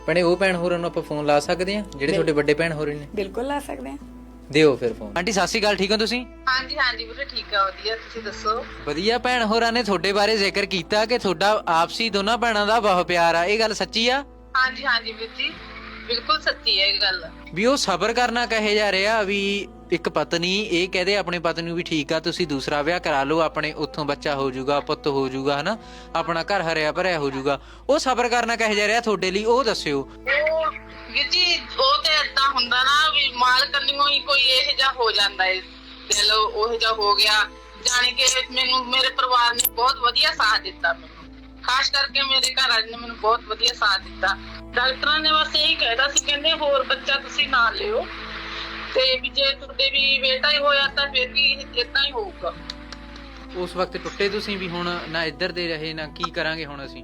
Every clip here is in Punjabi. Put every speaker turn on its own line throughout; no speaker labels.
ਭੈਣੇ ਉਹ ਭੈਣ ਹੋਰਾਂ ਨੂੰ ਆਪਾਂ ਫੋਨ ਲਾ ਸਕਦੇ ਆ ਜਿਹੜੇ ਤੁਹਾਡੇ ਵੱਡੇ ਭੈਣ ਹੋਰੇ ਨੇ?
ਬਿਲਕੁਲ ਲਾ ਸਕਦੇ ਆ।
ਦਿਓ ਫਿਰ ਫੋਨ। ਆਂਟੀ ਸਤਿ ਸ਼੍ਰੀ ਅਕਾਲ, ਠੀਕ ਹੋ ਤੁਸੀਂ?
ਹਾਂਜੀ ਹਾਂਜੀ ਵੀਰੇ ਠੀਕ ਆ, ਵਧੀਆ। ਤੁਸੀਂ ਦੱਸੋ?
ਵਧੀਆ। ਭੈਣ ਹੋਰਾਂ ਨੇ ਤੁਹਾਡੇ ਬਾਰੇ ਜ਼ਿਕਰ ਕੀਤਾ ਕਿ ਤੁਹਾਡਾ ਆਪਸੀ ਦੋਨਾਂ ਭੈਣਾਂ ਦਾ ਬਹੁਤ ਪਿਆਰ ਆ, ਇਹ ਗੱਲ ਸੱਚੀ ਆ?
ਹਾਂਜੀ ਹਾਂਜੀ ਵੀਰ ਜੀ, ਬਿਲਕੁਲ ਸੱਚੀ ਹੈ ਇਹ ਗੱਲ।
ਵੀ ਉਹ ਸਬਰ ਕਰਨਾ ਕਹੇ ਜਾ ਰਿਹਾ ਵੀ ਇੱਕ ਪਤਨੀ ਇਹ ਕਹਦੇ ਆਪਣੀ ਪਤਨੀ ਨੂੰ ਵੀ ਠੀਕ ਆ ਤੁਸੀਂ ਦੂਸਰਾ ਵਿਆਹ ਕਰਾ ਲਓ, ਆਪਣੇ ਉੱਥੋਂ ਬੱਚਾ ਹੋ ਜਾਊਗਾ, ਪੁੱਤ ਹੋ ਜਾਊਗਾ, ਹਨਾ, ਆਪਣਾ ਘਰ ਹਰਿਆ ਭਰਿਆ ਹੋ ਜਾਊਗਾ, ਉਹ ਸਬਰ ਕਰਨਾ ਕਹੇ ਜਾ ਰਿਹਾ ਤੁਹਾਡੇ ਲਈ, ਉਹ ਦੱਸਿਓ।
ਉਹ ਵੀਰ ਜੀ ਉਹ ਤੇ ਏਦਾਂ ਹੁੰਦਾ ਨਾ ਵੀ ਮਾਲਕ ਕੰਨਿਓ ਹੀ ਕੋਈ ਇਹ ਜਿਹਾ ਹੋ ਜਾਂਦਾ ਹੈ, ਦਿਲ ਉਹ ਜਿਹਾ ਹੋ ਗਿਆ। ਜਾਣੀ ਕਿ ਮੈਨੂੰ ਮੇਰੇ ਪਰਿਵਾਰ ਨੇ ਬਹੁਤ ਵਧੀਆ ਸਾਥ ਦਿੱਤਾ, ਮੈਨੂੰ ਖਾਸ ਕਰਕੇ ਮੇਰੇ ਘਰ ਵਾਲੇ ਨੇ ਮੈਨੂੰ ਬਹੁਤ ਵਧੀਆ ਸਾਥ ਦਿੱਤਾ। ਡਾਕਟਰਾਂ ਨੇ ਬਸ ਇਹੀ ਕਹਿਦਾ ਸੀ, ਕਹਿੰਦੇ ਹੋਰ ਬੱਚਾ ਤੁਸੀਂ ਨਾ ਲਿਓ, ਤੇ ਵੀ ਜੇ ਤੁਹਾਡੇ ਵੀ ਬੇਟਾ ਹੀ ਹੋਇਆ ਤਾਂ ਫਿਰ ਵੀ ਏਦਾਂ ਹੀ ਹੋਊਗਾ।
ਉਸ ਵਕਤ ਟੁੱਟੇ ਤੁਸੀਂ ਵੀ, ਹੁਣ ਨਾ ਇੱਧਰ ਦੇ ਰਹੇ ਨਾ ਕੀ ਕਰਾਂਗੇ ਹੁਣ ਅਸੀਂ?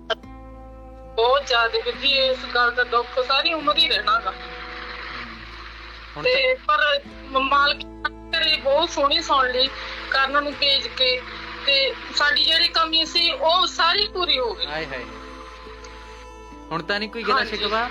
ਬਹੁਤ ਜ਼ਿਆਦਾ ਵੀਰ ਜੀ, ਇਸ ਗੱਲ ਦਾ ਦੁੱਖ ਸਾਰੀ ਉਮਰ ਹੀ ਰਹਿਣਾਗਾ।
ਹੁਣ
ਤੇ ਪਰ ਮਾਲਕ ਕਰੇ ਬਹੁਤ ਸੋਹਣੀ ਸੁਣ ਲਈ ਕਰਨ ਨੂੰ ਭੇਜ ਕੇ, ਤੇ ਸਾਡੀ ਜਿਹੜੀ ਕਮੀ ਸੀ ਉਹ ਸਾਰੀ ਪੂਰੀ ਹੋ ਗਈ।
ਹਾਏ ਹਾਏ, ਹੁਣ ਤਾਂ ਨਹੀਂ ਕੋਈ ਗਿਲਾ ਸ਼ਿਕਵਾ?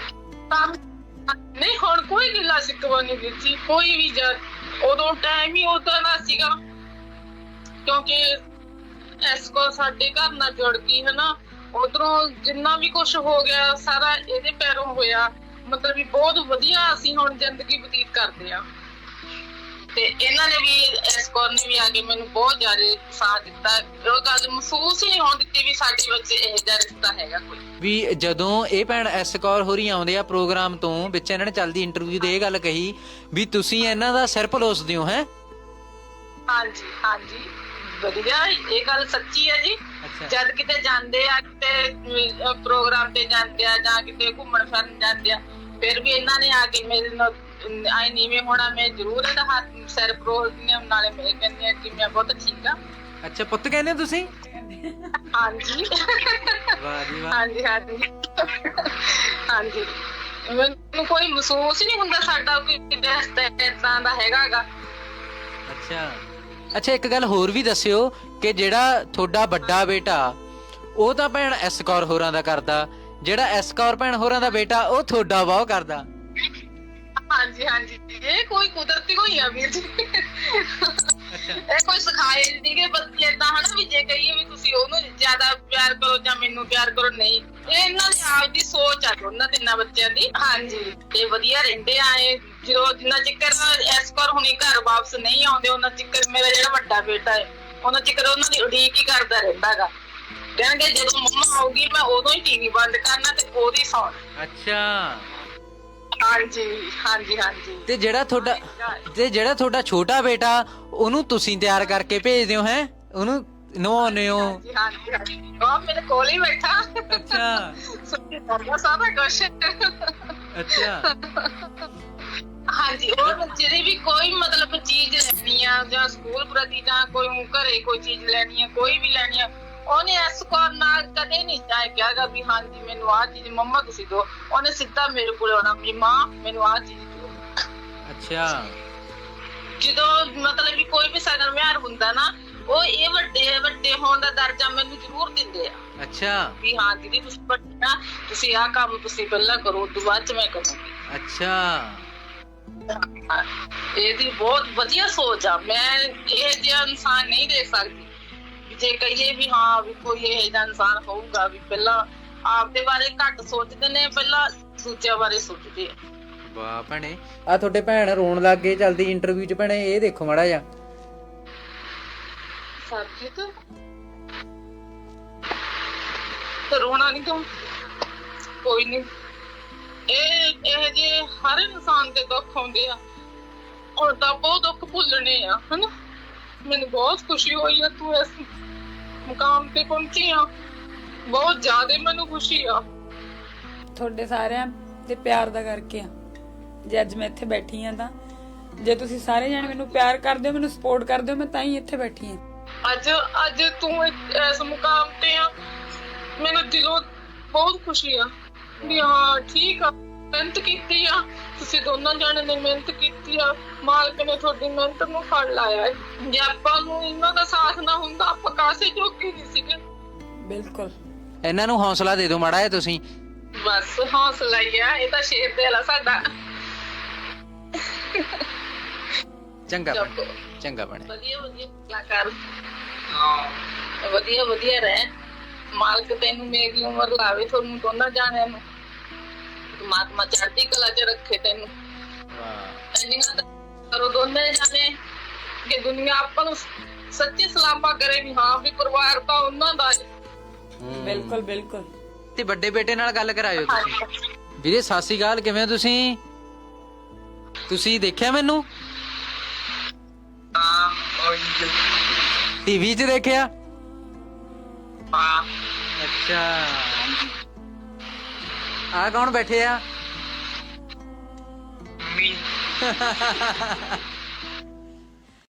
ਨਹੀਂ ਹੁਣ ਕੋਈ ਗਿਲਾ ਸ਼ਿਕਵਾ ਨਹੀਂ ਵੀਰ ਜੀ, ਕੋਈ ਵੀ ਉਦੋਂ ਟਾਈਮ ਹੀ ਉਦਾਂ ਦਾ ਸੀਗਾ, ਕਿਉਂਕਿ ਇਸ ਕੋ ਸਾਡੇ ਘਰ ਨਾਲ ਜੁੜ ਗਈ ਹਨਾ। ਉਧਰੋਂ ਜਿੰਨਾ ਵੀ ਕੁਝ ਹੋ ਗਿਆ ਸਾਰਾ ਇਹਦੇ ਪੈਰੋਂ ਹੋਇਆ, ਮਤਲਬ ਵੀ ਬਹੁਤ ਵਧੀਆ ਅਸੀਂ ਹੁਣ ਜ਼ਿੰਦਗੀ ਬਤੀਤ ਕਰਦੇ ਆ। ਤੇ ਇਹਨਾਂ ਨੇ ਵੀ ਇਸ ਕੌਰ ਨੇ ਵੀ ਆ ਕੇ ਮੈਨੂੰ ਬਹੁਤ ਜ਼ਿਆਦਾ ਸਾਥ ਦਿੱਤਾ। ਉਹ ਗੱਲ ਮਹਿਸੂਸ ਹੀ ਨਹੀਂ ਹੋਣ ਦਿੱਤੀ ਵੀ ਸਾਡੇ ਵਿੱਚ ਇਹ ਜਿਹਾ ਰਿਸ਼ਤਾ ਹੈਗਾ ਕੋਈ
ਵੀ। ਜਦੋਂ ਇਹ ਭੈਣ ਐਸ ਕੌਰ ਹੋਰੀ ਆਉਂਦੇ ਆ ਪ੍ਰੋਗਰਾਮ ਤੋਂ ਵਿੱਚ, ਇਹਨਾਂ ਨੇ ਚੱਲਦੀ ਇੰਟਰਵਿਊ ਦੇ ਇਹ ਗੱਲ ਕਹੀ ਵੀ ਤੁਸੀਂ ਇਹਨਾਂ ਦਾ ਸਿਰ ਪਲੋਸਦੇ ਹੋ, ਹੈ?
ਹਾਂਜੀ ਹਾਂਜੀ ਵਧੀਆ, ਇਹ ਗੱਲ ਸੱਚੀ ਹੈ ਜੀ। ਜਦ ਕਿਤੇ ਜਾਂਦੇ ਆ, ਕਿਤੇ ਪ੍ਰੋਗਰਾਮ ਤੇ ਜਾਂਦੇ ਆ ਜਾਂ ਕਿਤੇ ਘੁੰਮਣ ਫਿਰਨ ਜਾਂਦੇ ਆ, ਫਿਰ ਵੀ ਇਹਨਾਂ ਨੇ ਆ ਕੇ ਮੇਰੇ ਨਾਲ ਆਈ ਨੀਵੇਂ ਹੋਣਾ, ਮੈਂ ਜ਼ਰੂਰ ਇਹਦਾ ਹੱਥ ਸਿਰ ਪਰੋਸਦੀ ਆ, ਨਾਲੇ ਮੈਂ ਕਹਿੰਦੀ ਆ ਕਿ ਮੈਂ ਬਹੁਤ ਠੀਕ ਆ।
ਅੱਛਾ, ਪੁੱਤ ਕਹਿੰਦੇ ਹੋ ਤੁਸੀਂ?
ਹਾਂਜੀ
ਵਾਹ ਜੀ ਵਾਹ।
ਹਾਂਜੀ ਹਾਂਜੀ ਹਾਂਜੀ, ਮੈਨੂੰ ਕੋਈ ਮਹਿਸੂਸ ਹੀ ਨਹੀਂ ਹੁੰਦਾ ਸਾਡਾ ਕੋਈ ਰਿਸ਼ਤਾ ਏਦਾਂ ਦਾ ਹੈਗਾ।
ਅੱਛਾ ਅੱਛਾ, ਇੱਕ ਗੱਲ ਹੋਰ ਵੀ ਦੱਸਿਓ ਕਿ ਜਿਹੜਾ ਤੁਹਾਡਾ ਵੱਡਾ ਬੇਟਾ ਉਹ ਤਾਂ ਭੈਣ ਐਸ ਕੌਰ ਹੋਰਾਂ ਦਾ ਕਰਦਾ, ਜਿਹੜਾ ਐਸ ਕੌਰ ਭੈਣ ਹੋਰਾਂ ਦਾ ਬੇਟਾ ਉਹ ਤੁਹਾਡਾ ਬਹੁਤ ਕਰਦਾ।
ਹਾਂਜੀ ਹਾਂਜੀ, ਇਹ ਕੋਈ ਕੁਦਰਤੀ ਹੋਈ ਆ ਵੀਰ ਜੀ, ਇਹ ਕੋਈ ਸਿਖਾਏ ਸੀਗੇ ਬੱਚੇ ਏਦਾਂ ਹਨਾ ਵੀ ਜੇ ਕਹੀਏ ਵੀ ਤੁਸੀਂ ਉਹਨੂੰ ਜ਼ਿਆਦਾ ਪਿਆਰ ਕਰੋ ਜਾਂ ਮੈਨੂੰ ਪਿਆਰ ਕਰੋ, ਨਹੀਂ, ਇਹ ਇਹਨਾਂ ਦੀ ਆਪਦੀ ਸੋਚ ਆ ਦੋਨਾਂ ਤਿੰਨਾਂ ਬੱਚਿਆਂ ਦੀ। ਹਾਂਜੀ, ਇਹ ਵਧੀਆ ਰਹਿੰਦੇ ਆ। ਇਹ ਜਦੋਂ ਜਿੰਨਾ ਚਿਕਰ ਇਸ ਕਰ ਹੁਣੀ ਘਰ ਵਾਪਸ ਨਹੀਂ ਆਉਂਦੇ ਉਹਨਾਂ ਚਿਕਰ ਮੇਰਾ ਜਿਹੜਾ ਵੱਡਾ ਬੇਟਾ ਹੈ ਉਹਨਾਂ ਚਿਕਰ ਉਹਨਾਂ ਦੀ ਉਡੀਕ ਹੀ ਕਰਦਾ ਰਹਿੰਦਾ ਗਾ। ਕਹਿੰਦੇ ਜਦੋਂ ਮੰਮਾ ਆਊਗੀ ਮੈਂ ਉਦੋਂ ਹੀ ਟੀਵੀ ਬੰਦ ਕਰਨਾ ਤੇ ਉਹਦੀ ਸੌਣਾ।
ਅੱਛਾ
ਹਾਂਜੀ ਹਾਂਜੀ ਹਾਂਜੀ।
ਤੇ ਜਿਹੜਾ ਤੁਹਾਡਾ ਛੋਟਾ ਬੇਟਾ ਉਹਨੂੰ ਤੁਸੀਂ ਤਿਆਰ ਕਰਕੇ ਭੇਜਦੇ ਹੋ, ਹੈ? ਉਹਨੂੰ ਨਵਾਉਂਦੇ ਹੋ?
ਹਾਂਜੀ ਹਾਂਜੀ, ਉਹ ਮੇਰੇ ਕੋਲ ਹੀ ਬੈਠਾ।
ਅੱਛਾ
ਸਾਰਾ ਕੁਛ।
ਅੱਛਾ
ਹਾਂਜੀ, ਉਹ ਜਿਹੜੀ ਵੀ ਕੋਈ ਮਤਲਬ ਚੀਜ਼ ਲੈਣੀ ਆ ਜਾਂ ਸਕੂਲ ਪ੍ਰਤੀ ਜਾਂ ਕੋਈ ਘਰੇ ਕੋਈ ਚੀਜ਼ ਲੈਣੀ ਆ, ਕੋਈ ਵੀ ਲੈਣੀ ਆ, ਉਹਨੇ ਇਸ ਕੌਰ ਨਾਲ ਕਦੇ ਨਹੀਂ ਕਿਹਾਗਾ ਵੀ ਹਾਂਜੀ ਮੈਨੂੰ ਆਹ ਚੀਜ਼ ਮੰਮਾ ਤੁਸੀਂ ਦਿਓ। ਉਹਨੇ ਸਿੱਧਾ ਮੇਰੇ ਕੋਲ ਆਉਣਾ ਵੀ ਮਾਂ ਮੈਨੂੰ ਆਹ ਚੀਜ਼ ਦਿਓ।
ਅੱਛਾ, ਜਦੋਂ
ਮਤਲਬ ਵੀ ਕੋਈ ਵੀ ਸਗਨ ਵਿਹਾਰ ਹੁੰਦਾ ਨਾ, ਉਹ ਇਹ ਵੱਡੇ ਹੋਣ ਦਾ ਦਰਜਾ ਮੈਨੂੰ ਜ਼ਰੂਰ ਦਿੰਦੇ ਆ।
ਅੱਛਾ
ਵੀ ਹਾਂ ਦੀਦੀ ਤੁਸੀਂ ਵੱਡੇ ਆ, ਤੁਸੀਂ ਆਹ ਕੰਮ ਤੁਸੀਂ ਪਹਿਲਾਂ ਕਰੋ, ਉਦੋਂ ਬਾਅਦ ਚ ਮੈਂ ਕਰੂੰਗੀ।
ਅੱਛਾ,
ਇਹਦੀ ਬਹੁਤ ਵਧੀਆ ਸੋਚ ਆ। ਮੈਂ ਇਹ ਜਿਹਾ ਇਨਸਾਨ ਨਹੀਂ ਦੇਖ ਸਕਦੀ ਜੇ ਕਹੀਏ ਵੀ ਹਾਂ ਵੀ ਕੋਈ ਇਹ ਜਿਹਾ ਇਨਸਾਨ ਹੋਊਗਾ ਵੀ ਪਹਿਲਾਂ ਆਪਦੇ ਬਾਰੇ ਘੱਟ ਸੋਚਦੇ ਨੇ, ਪਹਿਲਾਂ ਦੂਜਿਆਂ ਬਾਰੇ ਸੋਚਦੇ ਆ।
ਵਾਹ ਭੈਣੇ, ਆ ਤੁਹਾਡੇ ਭੈਣ ਰੋਣ ਲੱਗ ਗਏ ਚੱਲਦੀ ਇੰਟਰਵਿਊ ਚ। ਭੈਣੇ ਇਹ ਦੇਖੋ ਮਾੜਾ ਜਿਹਾ।
ਸਰਜੀਤ ਰੋਣਾ ਨਹੀਂ ਕਿਉਂ? ਕੋਈ ਨਹੀਂ, ਇਹ ਜੇ ਹਰ ਇਨਸਾਨ ਦੇ ਦੁੱਖ ਆਉਂਦੇ ਆ, ਔਰ ਤਾਂ ਬਹੁਤ ਦੁੱਖ ਭੁੱਲਣੇ ਆ, ਹਨਾ। ਮੈਨੂੰ ਬਹੁਤ ਖੁਸ਼ੀ ਹੋਈ ਆ ਤੂੰ ਇਸ ਮੁਕਾਮ ਤੇ ਪਹੁੰਚੀ ਆ, ਬਹੁਤ ਜ਼ਿਆਦਾ ਮੈਨੂੰ ਖੁਸ਼ੀ ਆ।
ਤੁਹਾਡੇ ਸਾਰਿਆਂ ਦੇ ਪਿਆਰ ਦਾ ਕਰਕੇ ਆ ਜੇ ਅੱਜ ਮੈਂ ਇੱਥੇ ਬੈਠੀ ਆ। ਤਾਂ ਜੇ ਤੁਸੀਂ ਸਾਰੇ ਜਾਣੇ ਮੈਨੂੰ ਪਿਆਰ ਕਰਦੇ ਹੋ, ਮੈਨੂੰ ਸਪੋਰਟ ਕਰਦੇ ਹੋ, ਮੈਂ ਤਾਂ ਹੀ ਇੱਥੇ ਬੈਠੀ ਆ।
ਅੱਜ ਤੂੰ ਇਸ ਮੁਕਾਮ ਤੇ ਆ, ਮੈਨੂੰ ਦਿਲੋਂ ਬਹੁਤ ਖੁਸ਼ੀ ਆ ਵੀ ਹਾਂ ਠੀਕ ਆ, ਮਿਹਨਤ ਕੀਤੀ ਆ, ਤੁਸੀਂ ਦੋਨਾਂ ਜਾਣੇ ਨੇ ਮਿਹਨਤ ਕੀਤੀ ਆ, ਮਾਲਕ ਨੇ ਤੁਹਾਡੀ ਮਿਹਨਤ ਨੂੰ ਫਲ ਲਾਇਆ। ਜੇ ਆਪਾਂ ਨੂੰ ਇਹਨਾਂ ਦਾ ਸਾਥ ਨਾ ਹੁੰਦਾ ਆਪਾਂ ਕਾਸੇ ਜੋਗੇ ਨਹੀਂ ਸੀਗੇ।
ਬਿਲਕੁਲ,
ਇਹਨਾਂ ਨੂੰ ਹੌਸਲਾ ਦੇ ਦਿਓ ਮਾੜਾ ਜਿਹਾ ਤੁਸੀਂ।
ਬਸ ਹੌਸਲਾ ਹੀ ਆ, ਇਹ ਤਾਂ ਸ਼ੇਰ ਦਿਲ ਆ ਸਾਡਾ।
ਚੰਗਾ ਭੈਣੇ, ਚੰਗਾ ਭੈਣੇ।
ਵਧੀਆ ਵਧੀਆ ਕਲਾਕਾਰ, ਵਧੀਆ ਵਧੀਆ ਰਹਿ। ਮਾਲਕ ਤੈਨੂੰ ਮੇਰੀ ਉਮਰ ਲਾਵੇ, ਤੁਹਾਨੂੰ ਦੋਨਾਂ ਜਾਣਿਆਂ ਨੂੰ ਪਰਮਾਤਮਾ ਚੜ੍ਹਦੀ ਕਲਾ 'ਚ ਰੱਖੇ ਤੈਨੂੰ। ਇੰਨੀਆਂ ਤਾਂ ਕਰੋ ਦੋਨੇ ਜਾਣੇ ਕਿ ਦੁਨੀਆ ਆਪਾਂ ਨੂੰ ਸੱਚੀ ਸਲਾਮਾ ਕਰੇ ਵੀ ਹਾਂ ਵੀ ਪਰਿਵਾਰ ਤਾਂ ਉਹਨਾਂ ਦਾ ਹੈ।
ਬਿਲਕੁਲ ਬਿਲਕੁਲ।
ਤੇ ਵੱਡੇ ਬੇਟੇ ਨਾਲ ਗੱਲ ਕਰਾਇਓ ਤੁਸੀਂ। ਵੀਰੇ ਸਤਿ ਸ਼੍ਰੀ ਅਕਾਲ, ਕਿਵੇਂ ਹੋ ਤੁਸੀਂ? ਤੁਸੀਂ ਦੇਖਿਆ ਮੈਨੂੰ? ਟੀਵੀ 'ਚ ਦੇਖਿਆ? ਅੱਛਾ, ਆ ਕੌਣ ਬੈਠੇ ਆ?